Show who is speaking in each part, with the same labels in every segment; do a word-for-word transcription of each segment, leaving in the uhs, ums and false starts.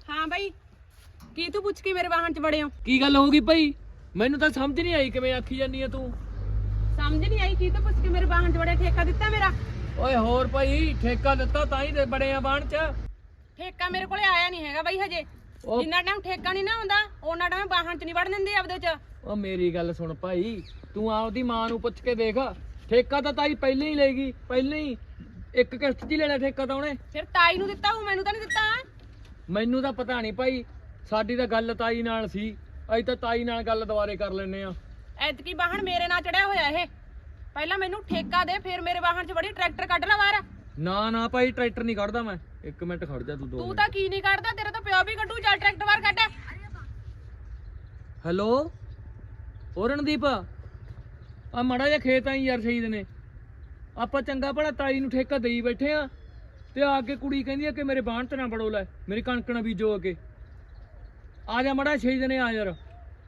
Speaker 1: ਹਾਂ ਬਾਈ ਕੀ ਤੂੰ ਪੁੱਛ ਕੇ ਮੇਰੇ ਵਾਹਨ 'ਚ ਵੜੇ ਹੋ?
Speaker 2: ਕੀ ਗੱਲ ਹੋ ਗਈ ਭਾਈ? ਮੈਨੂੰ ਤਾਂ ਸਮਝ ਨਹੀਂ ਆਈ ਕਿਵੇਂ ਆਖੀ ਜਾਂਦੀ ਆ ਤੂੰ।
Speaker 1: ਸਮਝ ਨਹੀਂ ਆਈ ਕੀ ਤੂੰ ਪੁੱਛ ਕੇ ਮੇਰੇ ਵਾਹਨ 'ਚ ਵੜਿਆ? ਠੇਕਾ ਦਿੱਤਾ ਮੇਰਾ?
Speaker 2: ਓਏ ਹੋਰ ਭਾਈ ਠੇਕਾ ਦਿੱਤਾ ਤਾਂ ਹੀ ਤੇ ਬੜੇ ਆ ਬਾਣ ਚ।
Speaker 1: ਠੇਕਾ ਮੇਰੇ ਕੋਲੇ ਆਇਆ ਨਹੀਂ ਹੈਗਾ ਬਾਈ ਹਜੇ।
Speaker 2: ਉਹ-
Speaker 1: ਜਿੰਨਾ ਟਾਈਮ ਠੇਕਾ ਨਹੀਂ ਨਾ ਹੁੰਦਾ ਉਹਨਾਂ ਟਾਈਮ ਵਾਹਨ 'ਚ ਨਹੀਂ ਵੜਨ ਦਿੰਦੇ ਆਪਦੇ 'ਚ।
Speaker 2: ਓ ਮੇਰੀ ਗੱਲ ਸੁਣ ਭਾਈ, ਤੂੰ ਆਪਦੀ ਮਾਂ ਨੂੰ ਪੁੱਛ ਕੇ ਦੇਖ। ਠੇਕਾ ਤਾਂ ਤਾਈ ਪਹਿਲਾਂ ਹੀ ਲੈਗੀ, ਪਹਿਲਾਂ ਹੀ ਇੱਕ ਕਿਸ਼ਤ 'ਚ ਹੀ ਲੈਣਾ ਠੇਕਾ ਤਾਂ ਉਹਨੇ।
Speaker 1: ਫਿਰ ਤਾਈ ਨੂੰ ਦਿੱਤਾ ਹੂੰ, ਮੈਨੂੰ ਤਾਂ ਨਹੀਂ ਦਿੱਤਾ।
Speaker 2: ਮੈਨੂੰ ਤਾਂ ਪਤਾ ਨਹੀਂ ਭਾਈ, ਸਾਡੀ ਤਾਂ ਗੱਲ ਤਾਈ ਨਾਲ ਸੀ। ਅਸੀਂ ਤਾਂ ਤਾਈ ਨਾਲ ਗੱਲ ਦੁਬਾਰੇ ਕਰ ਲੈਨੇ ਆ।
Speaker 1: ਐਤਕੀ ਵਾਹਨ ਮੇਰੇ ਨਾਲ ਚੜਿਆ ਹੋਇਆ ਇਹ। ਪਹਿਲਾਂ ਮੈਨੂੰ ਠੇਕਾ ਦੇ, ਫਿਰ ਮੇਰੇ ਵਾਹਨ 'ਚ ਵੜੀ। ਟਰੈਕਟਰ ਕੱਢ ਲੈ ਬਾਹਰ।
Speaker 2: ਨਾ ਨਾ ਭਾਈ ਟਰੈਕਟਰ ਨਹੀਂ ਕੱਢਦਾ ਮੈਂ। ਇੱਕ ਮਿੰਟ ਖੜ ਜਾ ਤੂੰ ਦੋ
Speaker 1: ਤੂੰ
Speaker 2: ਮਿੰਟ।
Speaker 1: ਤਾਂ ਕੀ ਨਹੀਂ ਕੱਢਦਾ, ਤੇਰਾ ਤਾਂ ਪਿਓ ਵੀ ਕੱਢੂ। ਚੱਲ ਟਰੈਕਟਰ ਬਾਹਰ ਕੱਢ।
Speaker 2: ਹੈਲੋ ਓ ਰਣਦੀਪ, ਆ ਮਾੜਾ ਜਿਹਾ ਖੇਤ ਆਈ ਯਾਰ ਸ਼ਹੀਦ ਨੇ। ਆਪਾਂ ਚੰਗਾ ਭਲਾ ਤਾਈ ਨੂੰ ਠੇਕਾ ਦੇਈ ਬੈਠੇ ਆ ਤੇ ਆ ਕੇ ਕੁੜੀ ਕਹਿੰਦੀ ਆ ਕਿ ਮੇਰੇ ਬਾਣ ਤੇ ਨਾ ਬੜੋ ਲੈ, ਮੇਰੀ ਕਣਕ ਨਾ ਬੀਜੋ ਅੱਗੇ। ਆ ਜਾ ਮਾੜਾ ਸ਼ਹੀਦ ਨੇ, ਆ ਯਾਰ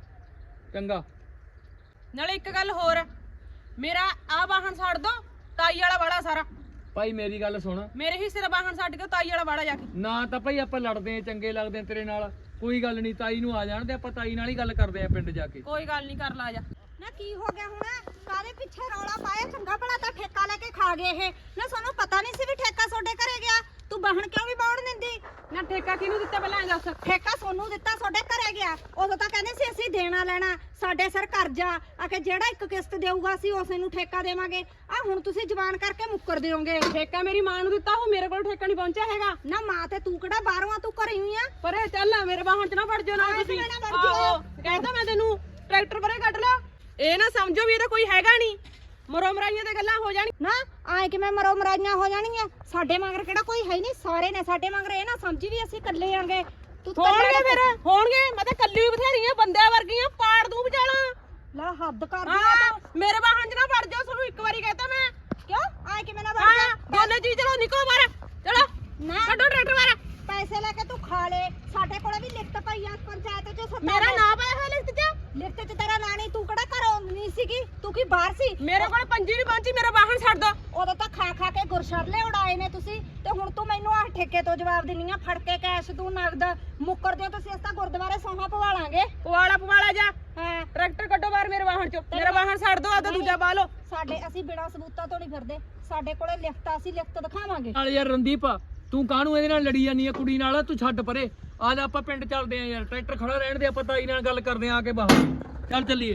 Speaker 2: ਚੰਗਾ।
Speaker 1: ਨਾਲੇ ਇੱਕ ਗੱਲ ਹੋਰ, ਮੇਰਾ ਆ ਵਾਹਨ ਛੱਡ ਦੋ, ਤਾਈ ਵਾਲਾ ਵਾੜਾ ਸਾਰਾ।
Speaker 2: ਭਾਈ ਮੇਰੀ ਗੱਲ ਸੁਣ,
Speaker 1: ਮੇਰੇ ਹਿੱਸੇ ਦਾ ਵਾਹਨ ਛੱਡ ਕੇ ਤਾਈ ਵਾਲਾ ਵਾੜਾ ਜਾ ਕੇ।
Speaker 2: ਨਾ ਤਾਂ ਭਾਈ ਆਪਾਂ ਲੜਦੇ ਆ, ਚੰਗੇ ਲੱਗਦੇ ਆ ਤੇਰੇ ਨਾਲ, ਕੋਈ ਗੱਲ ਨਹੀਂ। ਤਾਈ ਨੂੰ ਆ ਜਾਣ ਤੇ ਆਪਾਂ ਤਾਈ ਨਾਲ ਹੀ ਗੱਲ ਕਰਦੇ ਆ ਪਿੰਡ ਜਾ ਕੇ।
Speaker 1: ਕੋਈ ਗੱਲ ਨਹੀਂ, ਕਰ ਲਾ ਜਾ।
Speaker 3: ਨਾ ਕੀ ਹੋ ਗਿਆ ਹੁਣ? ਕਾਹਦੇ ਪਿੱਛੇ ਰੌਲਾ ਪਾਇਆ? ਚੰਗਾ ਭਲਾ ਤਾਂ ਠੇਕਾ ਲੈ ਕੇ ਖਾ ਗਏ ਇਹ। ਨਾ ਸਾਨੂੰ ਪਤਾ ਨਹੀਂ ਸੀ ਵੀ ਠੇਕਾ ਤੁਹਾਡੇ ਘਰੇ ਗਿਆ। ਤੂੰ ਵਾਹਣ ਕਿਉਂ ਵੀ ਬਾਉਣ ਦਿੰਦੀ?
Speaker 1: ਨਾ ਠੇਕਾ ਕਿਹਨੂੰ ਦਿੱਤਾ ਪਹਿਲਾਂ ਇਹ ਦੱਸ।
Speaker 3: ਠੇਕਾ ਸੋਨੂੰ ਦਿੱਤਾ, ਤੁਹਾਡੇ ਘਰੇ ਗਿਆ। ਉਦੋਂ ਤਾਂ ਕਹਿੰਦੇ ਸੀ ਅਸੀਂ ਦੇਣਾ ਲੈਣਾ, ਸਾਡੇ ਸਿਰ ਕਰਜ਼ਾ ਆ ਕੇ ਜਿਹੜਾ ਇੱਕ ਕਿਸ਼ਤ ਦੇਊਗਾ ਅਸੀਂ ਉਸੇ ਨੂੰ ਠੇਕਾ ਦੇਵਾਂਗੇ। ਆ ਹੁਣ ਤੁਸੀਂ ਜ਼ਬਾਨ ਕਰਕੇ ਮੁੱਕਰ ਦਿਓਗੇ।
Speaker 1: ਠੇਕਾ ਮੇਰੀ ਮਾਂ ਨੂੰ ਦਿੱਤਾ, ਉਹ ਮੇਰੇ ਕੋਲ ਠੇਕਾ ਨਹੀਂ ਪਹੁੰਚਿਆ ਹੈਗਾ।
Speaker 3: ਨਾ ਮਾਂ ਤੇ ਤੂੰ ਕਿਹੜਾ ਬਾਹਰੋਂ ਆ, ਤੂੰ ਘਰੇ ਹੀ ਆ।
Speaker 1: ਪਰ ਇਹ ਚੱਲ ਆ, ਮੇਰੇ ਵਾਹਨ 'ਚ ਨਾ ਵੜ ਜਾਓ ਨਾ
Speaker 3: ਹਾਂ,
Speaker 1: ਤੁਸੀਂ।
Speaker 3: ਇਸ ਵੇਲੇ ਨਾ ਵੜ ਜਾਓ।
Speaker 1: ਆਹੋ, ਕਹਿੰਦਾ ਮੈਂ ਤੈਨੂੰ ਟਰੈਕਟਰ ਪਰੇ ਕੱਢ ਲਾ। ਇਹ ਨਾ ਸਮਝੋ ਵੀ ਇਹਦਾ ਕੋਈ ਹੈਗਾ ਨਹੀਂ। ਮਰੋ ਮਰਾਈਆਂ ਤੇ ਗੱਲਾਂ ਹੋ ਜਾਣੀ।
Speaker 3: ਨਾ ਆਏ ਕਿ ਮੈਂ ਮਰੋ ਮਰਾਈਆਂ ਹੋ ਜਾਣਗੀਆਂ। ਸਾਡੇ ਮਗਰ ਕਿਹੜਾ ਕੋਈ ਹੈ ਨਹੀਂ, ਸਾਰੇ ਨੇ ਸਾਡੇ ਮਗਰ। ਇਹ ਨਾ ਸਮਝੀ ਵੀ ਅਸੀਂ ਇਕੱਲੇ ਆਂਗੇ। ਤੂੰ ਤਾਂ
Speaker 1: ਹੋਣਗੇ ਫਿਰ ਹੋਣਗੇ। ਮੈਂ ਤਾਂ ਕੱਲੀ ਬਥੇਰੀਆਂ ਬੰਦਿਆਂ ਵਰਗੀਆਂ, ਪਾੜ ਦੂੰ ਵਿਚਾਲਾ।
Speaker 3: ਲਾ ਹੱਦ ਕਰ
Speaker 1: ਹਾਂ,
Speaker 3: ਦਿਆ
Speaker 1: ਮੇਰੇ ਵਾਹਨ 'ਚ ਨਾ ਵੜ ਜਾਓ, ਤੁਹਾਨੂੰ ਇੱਕ ਵਾਰੀ ਕਹਤਾ ਮੈਂ।
Speaker 3: ਕਿਉਂ ਆਏ ਕਿ ਮੈਂ ਨਾ ਵੜ
Speaker 1: ਹਾਂ,
Speaker 3: ਜਾ।
Speaker 1: ਦੋਨੇ ਜੀ ਚਲੋ ਨਿਕਲੋ ਬਾਹਰ। ਚਲੋ
Speaker 3: ਨਾ
Speaker 1: ਕੱਢੋ ਟਰੈਕਟਰ ਬਾਹਰ।
Speaker 3: ਪੈਸੇ ਲੈ ਕੇ ਤੂੰ ਖਾ ਲੈ। ਸਾਡੇ ਕੋਲੇ ਵੀ ਲਿਖਤ ਪਈ ਆ ਪੰਚਾਇਤ ਚੋਂ ਸੱਤਾ।
Speaker 1: ਮੇਰਾ ਨਾਂ ਪਾਇਆ ਹੋਇਆ ਲਿਖਤ 'ਚ।
Speaker 3: ਲਿਖਤ ਚ ਤੇਰਾ ਨਾਂ ਨਹੀਂ। ਤੂੰ ਕਿਹੜਾ ਘਰੋਂ ਨਹੀਂ ਸੀਗੀ, ਤੂੰ ਕੀ ਬਾਹਰ ਸੀ?
Speaker 1: ਮੇਰੇ ਕੋਲ ਪੰਜੀ ਨਹੀਂ ਪਹੁੰਚੀ, ਮੇਰਾ ਵਾਹਨ ਛੱਡ ਦੋ।
Speaker 3: ਉਦੋਂ ਤਾਂ ਖਾ ਖਾ ਕੇ ਗੁਰਸ਼ਰਲੇ ਉਡਾਏ ਨੇ ਤੁਸੀਂ, ਤੇ ਹੁਣ ਤੂੰ ਮੈਨੂੰ ਆਹ ਠੇਕੇ ਤੋਂ ਜਵਾਬ ਦਿੰਨੀ ਆ। ਫੜ ਕੇ ਕੈਸ਼ ਤੂੰ ਨਗਦ ਮੁੱਕਰ ਦਿਓ ਤੁਸੀਂ। ਅਸੀਂ ਤਾਂ ਗੁਰਦੁਆਰੇ ਸੌਂਹਾਂ ਪਵਾ ਲਾਂਗੇ।
Speaker 1: ਪਵਾਲਾ ਪਵਾਲਾ ਜਾ।
Speaker 3: ਹਾਂ
Speaker 1: ਟਰੈਕਟਰ ਕੱਢੋ ਬਾਹਰ ਮੇਰੇ ਵਾਹਨ 'ਚੋਂ। ਮੇਰਾ ਵਾਹਨ ਛੱਡ ਦੋ, ਆਦਾ ਦੂਜਾ ਪਾ ਲਓ।
Speaker 3: ਸਾਡੇ ਅਸੀਂ ਬਿਨਾਂ ਸਬੂਤਾਂ ਤੋਂ ਨਹੀਂ ਫਿਰਦੇ। ਸਾਡੇ ਕੋਲੇ ਲਿਖਤ ਆ, ਅਸੀਂ ਲਿਖਤ ਦਿਖਾਵਾਂਗੇ।
Speaker 2: ਨਾਲ ਯਾਰ ਰਣਦੀਪ, ਤੂੰ ਕਾਹਨੂੰ ਇਹਦੇ ਨਾਲ ਲੜੀ ਜਾਂਦੀ ਆ ਕੁੜੀ ਨਾਲ? ਤੂੰ ਛੱਡ ਪਰੇ, ਆ ਜਾ ਆਪਾਂ ਪਿੰਡ ਚੱਲਦੇ ਆ ਯਾਰ। ਟਰੈਕਟਰ ਖੜਾ ਰਹਿਣ ਦੇ, ਆਪਾਂ ਤਾਈ ਨਾਲ ਗੱਲ ਕਰਦੇ ਆ ਕੇ ਬਾਹਰ। ਚੱਲ ਚੱਲੀਏ।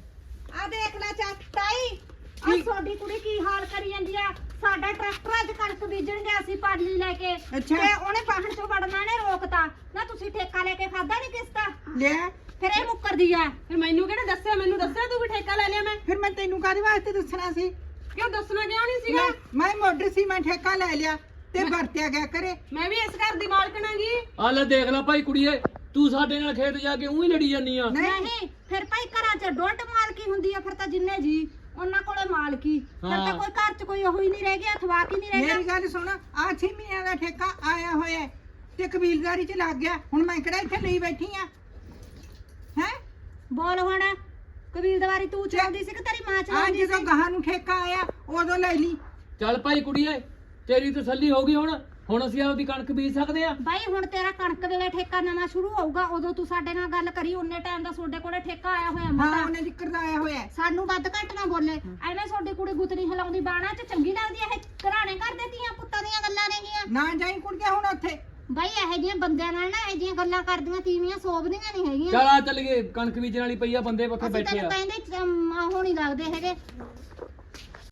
Speaker 3: ਆ ਦੇਖ ਲੈ ਚਾਚਾਈ, ਆ ਤੁਹਾਡੀ ਕੁੜੀ ਕੀ ਹਾਲ ਕਰੀ ਜਾਂਦੀ ਆ। ਸਾਡਾ ਟਰੈਕਟਰ ਅੱਜ ਕਣਕ ਬੀਜਣ ਗਿਆ ਸੀ ਪਾਲੀ ਲੈ ਕੇ, ਤੇ ਉਹਨੇ ਵਾਹਣ ਚੋਂ ਵੜਨਾ ਨੇ ਰੋਕਤਾ। ਨਾ ਤੁਸੀਂ ਠੇਕਾ ਲੈ ਕੇ ਖਾਦਾ ਨਹੀਂ ਕਿਸ਼ਤਾ
Speaker 4: ਲਿਆ।
Speaker 3: ਫਿਰ ਇਹ ਮੁੱਕਰਦੀ ਆ।
Speaker 1: ਫਿਰ ਮੈਨੂੰ ਕਿਹੜਾ ਦੱਸਿਆ? ਮੈਨੂੰ ਦੱਸਿਆ ਤੂੰ ਵੀ ਠੇਕਾ ਲੈ ਲਿਆ ਮੈਂ।
Speaker 4: ਫਿਰ ਮੈਂ ਤੈਨੂੰ ਕਾਹਦੇ ਵਾਸਤੇ ਦੱਸਣਾ ਸੀ?
Speaker 1: ਕਿਉਂ ਦੱਸਣਾ ਕਿਉਂ ਨਹੀਂ ਸੀਗਾ?
Speaker 4: ਮੈਂ ਮੋਢਰ ਸੀ, ਮੈਂ ਠੇਕਾ ਲੈ ਲਿਆ ਤੇ ਵਰਤਿਆ ਗਿਆ ਕਰੇ।
Speaker 1: ਮੈਂ ਵੀ ਇਸ ਘਰ ਦੀ ਮਾਲਕਣ ਆਂਗੀ।
Speaker 2: ਆ ਲੈ ਦੇਖ ਲੈ ਭਾਈ ਕੁੜੀਏ, ਤੂੰ ਸਾਡੇ ਨਾਲ ਖੇਤ ਜਾ ਕੇ ਉਹੀ ਲੜੀ ਜਾਂਦੀ ਆ।
Speaker 3: ਨਹੀਂ ਫਿਰ ਭਾਈ ਘਰਾਂ 'ਚ ਡੋਟ ਮਾਲਕੀ ਹੁੰਦੀ ਆ। ਫਿਰ ਤਾਂ ਜਿੰਨੇ ਜੀ ਉਹਨਾਂ ਕੋਲੇ ਮਾਲਕੀ। ਫਿਰ ਤਾਂ
Speaker 2: ਹਾਂ।
Speaker 3: ਕੋਈ ਘਰ 'ਚ ਕੋਈ ਉਹ ਹੀ ਨਹੀਂ ਰਹਿ ਗਿਆ, ਅਥਵਾਕ ਹੀ ਨਹੀਂ ਰਹਿ ਗਿਆ।
Speaker 4: ਮੇਰੀ ਗੱਲ ਸੁਣ, ਆ ਛੇ ਮਹੀਨਿਆਂ ਦਾ ਠੇਕਾ ਆਇਆ ਹੋਇਆ ਹੈ ਤੇ ਕਬੀਲਦਾਰੀ ਚ ਲੱਗ ਗਿਆ। ਹੁਣ ਮੈਂ ਕਿਹੜਾ ਇੱਥੇ ਲਈ ਬੈਠੀ ਆ? ਹੈ
Speaker 3: ਬੋਲ ਹੁਣ, ਕਬੀਲਦਾਰੀ ਤੂੰ ਚਲਾਉਂਦੀ ਸੀ ਕਿ ਤੇਰੀ ਮਾਂ
Speaker 4: ਆ
Speaker 3: ਚਲਾਉਂਦੀ
Speaker 4: ਜਦੋਂ
Speaker 3: ਸੀ?
Speaker 4: ਗਾਹਾਂ ਨੂੰ ਠੇਕਾ ਆਇਆ ਉਦੋਂ ਲੈ ਲਈ।
Speaker 2: ਚੱਲ ਭਾਈ ਕੁੜੀਏ, ਤੇਰੀ ਤਸੱਲੀ ਹੋ ਗਈ। ਹੁਣ ਹੁਣ ਅਸੀਂ ਆਪਦੀ ਕਣਕ ਬੀਜ ਸਕਦੇ ਆ।
Speaker 3: ਬਾਈ ਹੁਣ ਤੇਰਾ ਕਣਕ ਵੇਲੇ ਠੇਕਾ ਨਵਾਂ ਸ਼ੁਰੂ ਹੋਊਗਾ, ਉਦੋਂ ਤੂੰ ਸਾਡੇ ਨਾਲ ਗੱਲ ਕਰੀ। ਉਹਨੇ ਟਾਈਮ ਦਾ ਤੁਹਾਡੇ ਕੋਲੇ ਠੇਕਾ ਆਇਆ ਹੋਇਆ
Speaker 4: ਹਾਂ,
Speaker 3: ਮਤਾ।
Speaker 4: ਉਹਨੇ ਜ਼ਿਕਰ ਦਾ ਆਇਆ ਹੋਇਆ ਹੈ।
Speaker 3: ਸਾਨੂੰ ਵੱਧ ਘੱਟ ਨਾ ਬੋਲੇ। ਐਵੇਂ ਤੁਹਾਡੀ ਕੁੜੀ ਗੁੱਤਨੀ ਹਿਲਾਉਂਦੀ ਬਾਣਾ 'ਚ ਚੰਗੀ ਲੱਗਦੀ ਐ? ਇਹ ਘਰਾਣੇ ਘਰ ਦੇ ਧੀਆਂ ਪੁੱਤਾਂ ਦੀਆਂ ਗੱਲਾਂ ਨੇਗੀਆਂ।
Speaker 4: ਨਾ ਜਾਈ ਕੁੜੀਆਂ ਹੁਣ ਉੱਥੇ।
Speaker 3: ਬਾਈ ਇਹੋ ਜਿਹੀਆਂ ਬੰਦਿਆਂ ਨਾਲ ਨਾ ਇਹੋ ਜਿਹੀਆਂ ਗੱਲਾਂ ਕਰਦੀਆਂ ਤੀਵੀਆਂ ਸੋਭਦੀਆਂ ਨਹੀਂ ਹੈਗੀਆਂ।
Speaker 2: ਚੱਲ ਆ ਚੱਲੀਏ, ਕਣਕ ਬੀਜਣ ਵਾਲੀ ਪਈ ਆ, ਬੰਦੇ ਉੱਥੇ
Speaker 3: ਅਸੀਂ
Speaker 2: ਬੈਠੇ
Speaker 3: ਤੈਨੂੰ
Speaker 2: ਆ।
Speaker 3: ਕਹਿੰਦੇ ਚਮ- ਉਹ ਨਹੀਂ ਲੱਗਦੇ ਹੈਗੇ।